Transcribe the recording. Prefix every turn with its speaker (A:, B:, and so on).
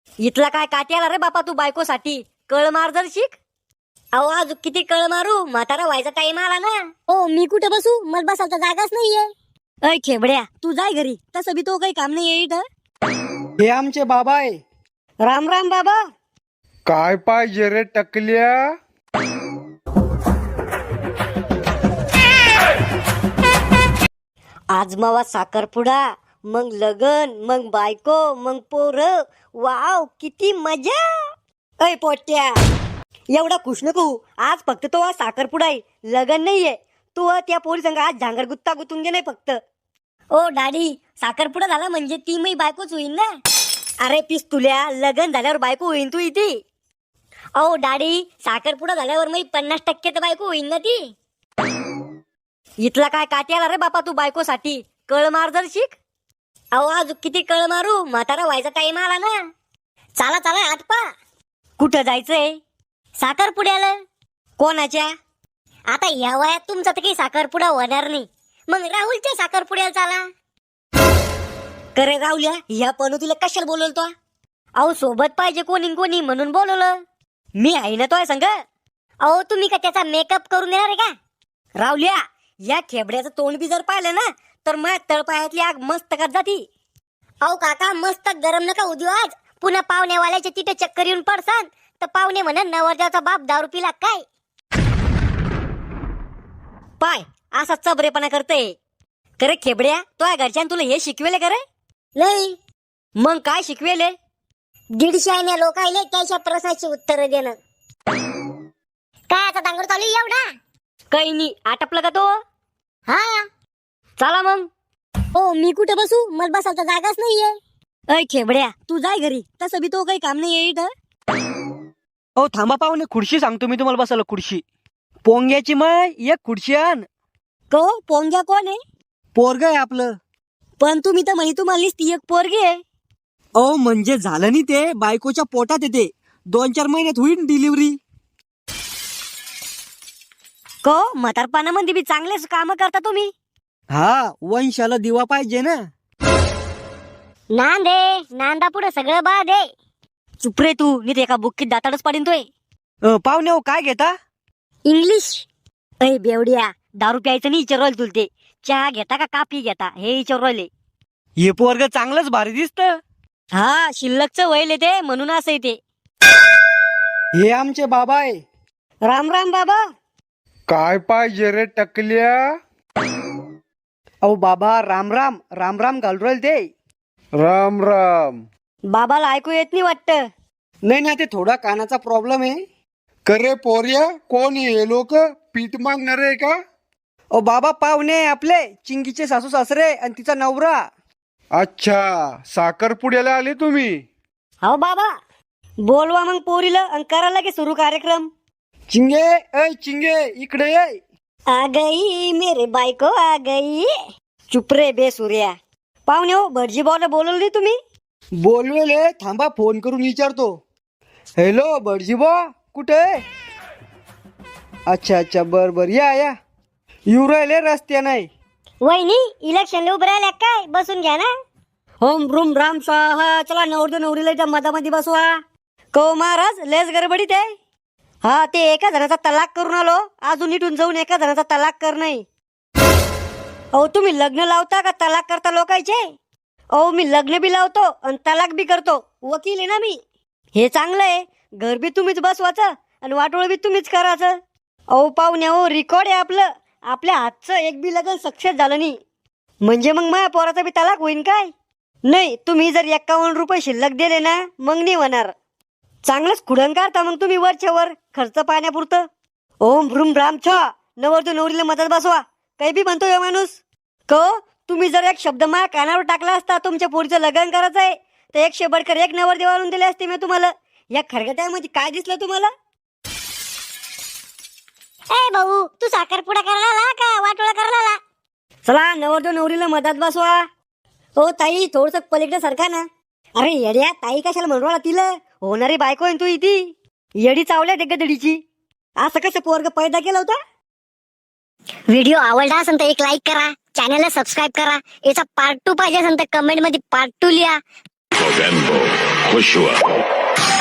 A: इथला काय काट्याला रे बापा तू बायकोसाठी कळ मार जर शिक. अहो आज किती कळ मारू, म्हातारा व्हायचा टाइम आला ना.
B: हो मी कुठे बसू, मला बसायला जागाच नाहीये.
A: अय खेबड्या तू जाय घरी, तसं बी तो काही काम नाही इथं.
C: हे आमचे बाबा आहे.
A: राम राम बाबा.
D: काय पाहिजे रे टकल्या?
A: आज मावा साखरपुडा, मग लगन, मग बायको, मग पोर. वाव किती मजा. अय पोट्या एवढा खुश नको, आज फक्त तो आज साखरपुडा आहे, लगन नाहीये. तू त्या पोरी संग आज झांगर गुत्ता गुतून घे नाही फक्त. ओ डॅडी साखरपुडा झाला म्हणजे ती मी बायकोच होईन ना. अरे पिस तुल्या, लगन झाल्यावर बायको होईन तू इथे. अहो डॅडी साखरपुडा झाल्यावर मी 50% तर बायको होईन ना ती. इथला काय काट्याला रे बापा तू बायकोसाठी कळ मार जर शिक. अहो आज किती कळ मारू, म्हातारा व्हायचा टाइम आला ना. चला चला आटपा. कुठं जायचंय? साखरपुड्याला. कोणाच्या? आता या वयात तुमचा तर काही साखरपुडा होणार नाही, मग राहुलच्या साखरपुड्याला चला. करे राहुल्या ह्या पण तुला कशाला बोलवतो? अहो सोबत पाहिजे कोणी कोणी म्हणून बोलवलं. मी आहे ना तो संग. अहो तुम्ही का त्याचा मेकअप करून देणार आहे का? राहुल्या या खेबड्याचं तोंड बी जर पाहिलं ना तर मग तळपायातली आग मस्त कर जाती. अहो काका मस्त गरम नका उद्या, आज पुन्हा पाहुण्यावाल्याच्या तिथे चक्कर येऊन पडसान तर पाहुणे म्हणन नवरदेवाचा बाप दारू पिला काय. पाय असा चबरेपणा करते. करे खेबड्या तो घरच्यान तुला हे शिकवेले करे?
B: नाही,
A: मग काय शिकवेले?
B: 150 लोकायले त्याच्या प्रश्नाची उत्तर देणं. काय आता डांगर चालू आहे एवढा?
A: काही नाही, आटपलं का तो?
B: हा.
A: चला मग.
B: हो मी कुठे बसू, मला बसायला जागाच नाहीये.
A: अय खेबड्या तू जाय घरी, तसं बी तो काही काम नाही इथं.
C: ओ थांबा पाहुणे, खुर्ची सांगतो मी तुम्हाला बसायला. खुर्ची पोंग्याची माय एक खुर्ची आण.
A: को पोंग्या कोण आहे?
C: पोरग आहे आपलं.
A: पण तुम्ही तर म्हणे तुम्हाला ती एक पोरगी आहे.
C: ओ म्हणजे झालं नाही, ते बायकोच्या पोटात येते, 2-4 महिन्यात होईल डिलिव्हरी.
A: को म्हातारपणामध्ये बी चांगलेच काम करता तुम्ही.
C: हा वंशाला दिवा पाहिजे ना.
B: नांदे नांदा पुढे सगळं बाद आहे.
A: चुप रे तू, नीट एका बुक्कीत दाताडच पाडीन तोय.
C: पाहुणे हो काय घेता?
B: इंग्लिश.
A: अय बेवड्या दारू प्यायचं नाही विचार राहिले तुला ते. चहा घेता का काफी घेता हे विचार राहिले.
C: हे पोरग चांगलंच भारी दिसत.
A: हा शिल्लकचं वैल ते म्हणून असं ते.
C: हे आमचे बाबा आहे.
A: राम राम बाबा.
D: काय पाहिजे रे टकल्या?
C: अहो बाबा राम राम राम राम घालू राहिले ते.
D: राम राम.
A: बाबाला ऐकू येत नाही वाटतं.
C: नाही ना, ते थोडा कानाचा प्रॉब्लेम आहे.
D: करे पोर्या कोण हे लोक? पीठ मागणार आहे का?
C: ओ बाबा पाहुणे आपले चिंगीचे सासू सासरे आणि तिचा नवरा.
D: अच्छा साखरपुड्याला आले तुम्ही?
A: हो बाबा बोलवा मग पोरीला आणि करा लगे सुरू कार्यक्रम.
C: चिंगे ऐ चिंगे इकडे ये.
A: आ गई मेरे बायको आ गई. चुप रे बे सूर्या. पाहुणे हो भटजी भाऊला बोलवली तुम्ही?
C: बोलवेले, थांबा फोन करून विचारतो. हॅलो भटजीबा कुठे? अच्छा अच्छा बर बर या या. येऊ राहिले रस्त्या नाही.
B: वहिनी इलेक्शनला उभं राहिल्या काय, बसून घ्या ना.
A: होम रूम राम स्वाहा. चला नवरदेव नवरीला त्या मधामध्ये बसवा. को महाराज लेस गडबडीत आहे. हा ते एका जणाचा तलाक करून आलो, अजून इथून जाऊन एका जणाचा तलाक कर नाही. अहो तुम्ही लग्न लावता का तलाक करता लोकांचे? अहो मी लग्न बी लावतो आणि तलाक बी करतो, वकील आहे ना मी. हे चांगलं आहे, घर बी तुम्हीच बसवायचं आणि वाटोळ बी तुम्हीच करायचं. अहो पाहुण्या हो रेकॉर्ड आहे आपलं. आपल्या हातचं एक बी लग्न सक्सेस झालं नाही म्हणजे मग माझ्या पोराचा बी तलाक होईन काय? नाही तुम्ही जर 51 रुपये शिल्लक दिले ना मग नाही होणार. चांगलंच खुडण काढता मग तुम्ही वरच्या वर खर्च पाण्यापुरतं. ओम भ्रूम राम छ. नवरदेव नवरीला मदत बसवा, काही बी म्हणतो या माणूस. क तुम्ही जर एक शब्द माझ्या कानावर टाकला असता तुमच्या पोरीचं लग्न करायचं आहे तर 100 बडकर 1 नवरदेव आणून दिले असते मी तुम्हाला. या खरगट्यामध्ये काय दिसलं तुम्हाला?
B: ए भाऊ तू साखरपुडा करायला आला का वाटोळा करायला आला?
A: चला नवरदेव नवरीला मदत बसवा. हो ताई थोडस पलीकडे सरका ना. अरे येड्या ताई कशाला म्हणून तिला होणारी बायको आहे तू इथे. येडी चावल्या डेगदडीची. असं कसं पोरग पैदा केला होता?
B: व्हिडिओ आवडला असेल तर एक लाईक करा, चॅनलला सबस्क्राईब करा. याचा पार्ट 2 पाहिजे असेल तर कमेंट मध्ये पार्ट 2 लिहा.
E: Movember, खुश हुआ